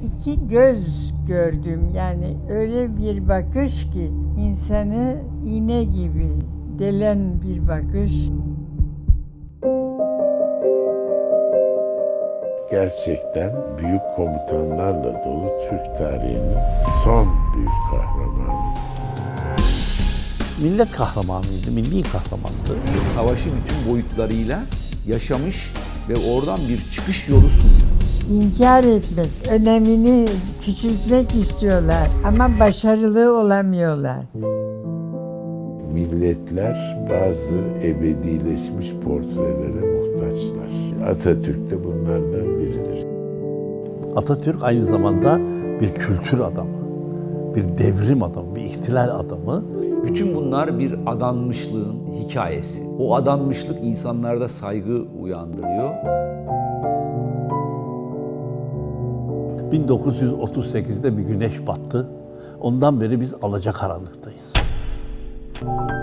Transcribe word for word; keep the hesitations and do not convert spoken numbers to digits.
iki göz gördüm. Yani öyle bir bakış ki insanı iğne gibi delen bir bakış. Gerçekten büyük komutanlarla dolu Türk tarihinin son büyük kahramanı. Millet kahramanıydı, milli kahramandı. Savaşı bütün boyutlarıyla yaşamış ve oradan bir çıkış yolu sunuyor. İnkar etmek, önemini küçültmek istiyorlar ama başarılı olamıyorlar. Milletler bazı ebedileşmiş portrelere muhtaçlar. Atatürk de bunlardan biridir. Atatürk aynı zamanda bir kültür adamı, bir devrim adamı, bir ihtilal adamı. Bütün bunlar bir adanmışlığın hikayesi. O adanmışlık insanlarda saygı uyandırıyor. bin dokuz yüz otuz sekizde bir güneş battı. Ondan beri biz alacakaranlıktayız.